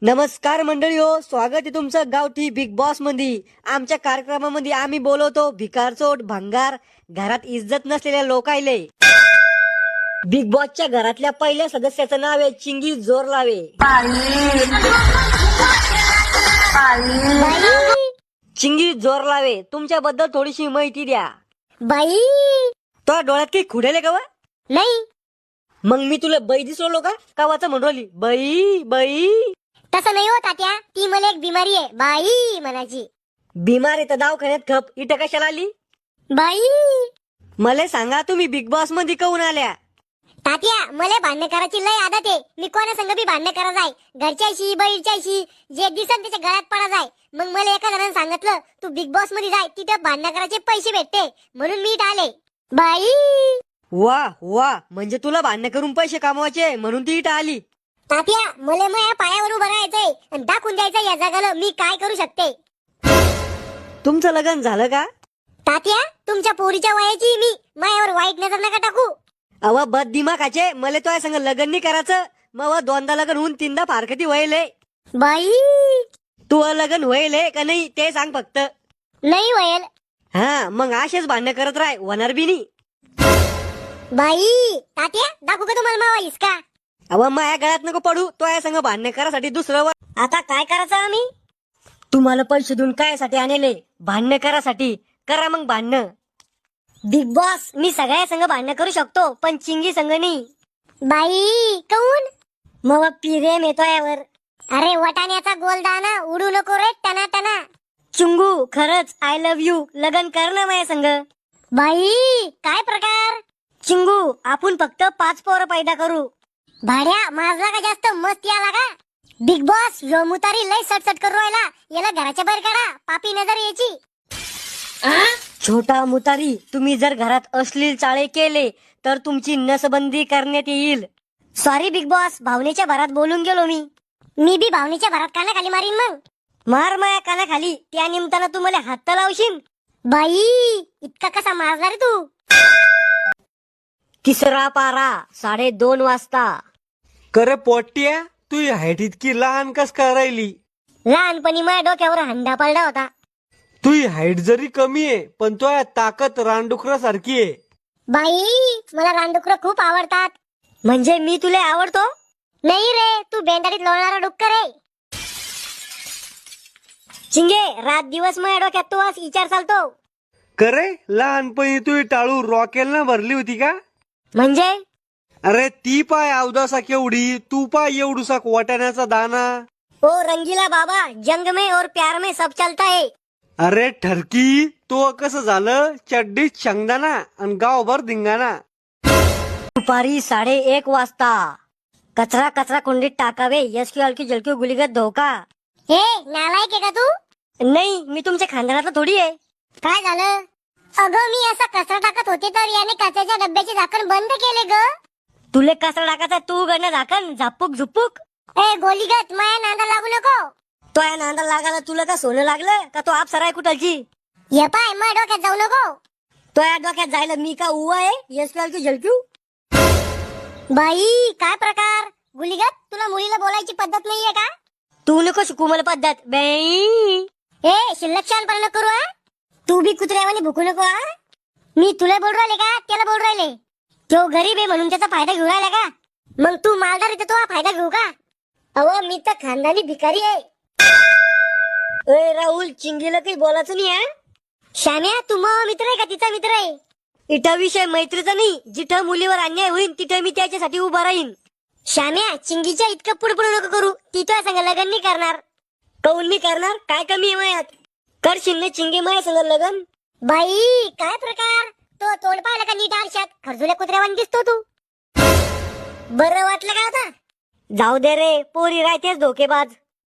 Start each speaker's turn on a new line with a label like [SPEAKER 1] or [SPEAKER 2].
[SPEAKER 1] नमस्कार मंडळी हो, स्वागत आहे तुमचं गावठी बिग बॉस मध्ये. आमच्या कार्यक्रमामध्ये आम्ही बोलवतो भिकारचोट भंगार घरात इज्जत नसलेल्या लोकायले. बिग बॉसच्या घरातल्या पहिल्या सदस्याचं नाव आहे चिंगी जोर लावे. चिंगी जोर लावे, तुमच्याबद्दल थोडीशी माहिती द्या.
[SPEAKER 2] बाई
[SPEAKER 1] तो डोळ्यात काही खुडेले का वा?
[SPEAKER 2] नाही,
[SPEAKER 1] मग मी तुला बाई दिसलो का कावाचं म्हणली बाई बाई?
[SPEAKER 2] तसं नाही हो तात्या, ती मला एक बिमारी आहे बाई म्हणायची.
[SPEAKER 1] बिमार आहे तर दवाखान्यात खप, इथं कशाला आली?
[SPEAKER 2] बाई
[SPEAKER 1] मला सांगा तुम्ही बिग बॉस मध्ये काऊन आल्या?
[SPEAKER 2] तात्या, मला भांडण करायची लय आदत आहे. मी कोणा संग बी भांडण करा जाय, घरच्याशी बैलच्याशी, जे दिसन त्याच्या गळ्यात पडा जाय. मग मला एका जणांनी सांगितलं तू बिग बॉस मध्ये जाय, तिथं भांडण करायचे पैसे भेटते, म्हणून मी इथं आले. बाई
[SPEAKER 1] वा वा, म्हणजे तुला भांडण करून पैसे कमवायचे म्हणून ती इथं आली.
[SPEAKER 2] तात्या, मला माझ्या पायावर उभं राहायचंय आणि दाखवून द्यायचं या जगाला मी काय करू शकते.
[SPEAKER 1] तुमचं लग्न झालं का?
[SPEAKER 2] तात्या, तुमच्या पोरीच्या वयाची मी, माझ्यावर वाईट नजर नका टाकू.
[SPEAKER 1] अव बद दिमाखाचे, मला तो संग लग्न नाही करायचं. मग दोनदा लग्न होऊन तीनदा फारकती व्हायले.
[SPEAKER 2] बाई
[SPEAKER 1] तू लग्न व्हायले का नाही ते सांग फक्त.
[SPEAKER 2] नाही वयल.
[SPEAKER 1] हा, मग असेच भांडण करत राह, होणार बी नाही.
[SPEAKER 2] बाई तात्या, दाखवू का तुम्हाला मावा इसका?
[SPEAKER 1] अव माझ्या गळ्यात नको पडू, तो संग भांडण करासाठी दुसरं
[SPEAKER 2] आता काय करायचं आम्ही?
[SPEAKER 1] तुम्हाला पैसे देऊन काय साठी आणले? भांडण करासाठी. करा मग भांडण.
[SPEAKER 2] बिग बॉस, मी सगळ्या संग भांडण करू शकतो, पण चिंगी संग नाही. बाई काऊन? मग प्रेम येतो यावर. अरे वटाण्याचा गोलदाना उडू नको रे टना टना.
[SPEAKER 1] चिंगू, खरंच आय लव्ह यू. लग्न कर ना माझ्या संग.
[SPEAKER 2] बाई काय प्रकार?
[SPEAKER 1] चिंगू, आपण फक्त 5 पोरं पैदा करू.
[SPEAKER 2] भाड्या माझला का जास्त मस्त आला का? बिग बॉस, यो मुतारी लय सटसट करू राहिला, याला घराच्या बाहेर काढा, पापी नजर यायची.
[SPEAKER 1] छोटा मुतारी, तुम्ही जर घरात अश्लील चाळे केले तर तुमची नसबंदी करण्यात येईल.
[SPEAKER 2] सॉरी बिग बॉस, भावनेच्या भरात बोलून गेलो मी. मी बी भावनेच्या भरात कानाखाली मारीन मग.
[SPEAKER 1] मार माया कानाखाली, त्या निमताना तू मला हात लावशील.
[SPEAKER 2] बाई इतका कसा मारला रे तू?
[SPEAKER 1] तिसरा पारा 2:30 वाजता.
[SPEAKER 3] करे पोट्या, तू हाईट इतकी लहान कस काय राहिली?
[SPEAKER 2] लहानपणी माझ्या डोक्यावर हंडा पडला होता.
[SPEAKER 3] तू हाईट जरी कमी आहे पण तो ताकद रानडुकरा सारखी आहे.
[SPEAKER 2] बाई मला रानडुकर खूप आवडतात.
[SPEAKER 1] म्हणजे मी तुला आवडतो?
[SPEAKER 2] नाही रे, तू बेंदाडीत लोळणारा डुक्कर आहे.
[SPEAKER 1] चिंगे, रात दिवस माझ्या डोक्यात तू आज विचार चालतो.
[SPEAKER 3] करे लहानपणी तू टाळू रॉकेलना भरली होती का?
[SPEAKER 1] म्हणजे
[SPEAKER 3] अरे ती पाय अवदासा केवढी, तू पाय एवढूसा वाटाण्याचा दाना.
[SPEAKER 1] ओ रंगीला बाबा, जंग में और प्यार में सब चलता है.
[SPEAKER 3] अरे ठरकी, तो कसं झालं, चड्डीत शेंगदाणा आणि गावभर धिंगाणा.
[SPEAKER 1] दुपारी 1:30 वाजता. कचरा कचरा कुंडीत टाकावे, यसकी हलकी जलकी गुलीगत धोका.
[SPEAKER 2] हे नालायक आहे का तू?
[SPEAKER 1] नाही, मी तुमच्या खानदानातला थोडी आहे.
[SPEAKER 2] काय झालं? अगं मी असा कचरा टाकत होते तर याने कचऱ्याच्या डब्याचे झाकण बंद केले ग.
[SPEAKER 1] तुले कचरा टाकायचा, तू उघडणं झाकण, झापूक झुपूक.
[SPEAKER 2] ए गोलीगत, माया नांदा लागू नको.
[SPEAKER 1] तो या नांदा लागायला तुला का सोनं लागलं का? तो आप सराय कुठलची?
[SPEAKER 2] ये पाय माझ्या डोक्यात जाऊ नको.
[SPEAKER 1] तो या डोक्यात जायला मी का उवा आहे? यसकी हलकी झलक्यू.
[SPEAKER 2] बाई काय प्रकार? गुलीगत, तुला मुलीला बोलायची पद्धत नाहीये का?
[SPEAKER 1] तू नको शिकू मला पद्धत बाई.
[SPEAKER 2] ए शिल्लक शानपणा करू हा. तू बी कुत्र्यावानी भुकू नको हा. मी तुला बोल राहिले का त्याला बोल राहिले? तो गरीब आहे म्हणून त्याचा फायदा घेऊ राहिला का? मग तू मालदार आहे तर तो हा फायदा घेऊ का? अहो मी तर खानदानी भिकारी आहे.
[SPEAKER 1] ए राहुल, चिंगीला काही बोलायचं नाही आहे.
[SPEAKER 2] श्याम्या, तू मग मित्र आहे का तिचा मित्र आहे?
[SPEAKER 1] इथं विषय मैत्रीचा नाही. जिथं मुलीवर अन्याय होईल तिथं मी त्याच्यासाठी उभा राहीन.
[SPEAKER 2] श्याम्या, चिंगीच्या इतकं पुढे नको करू, ती तुझ्या संग लग्न नाही करणार.
[SPEAKER 1] काऊन मी करणार? काय कमी आहे मायात? करशील ना चिंगे माझ्या संग लग्न?
[SPEAKER 2] बाई काय प्रकार? तो तोंड पाहिलं का नीट आरशात? खरजुल्या कुत्र्यावानी दिसतो तू. बरं वाटलं का आता?
[SPEAKER 1] जाऊ दे रे, पोरी राहतेच धोकेबाज.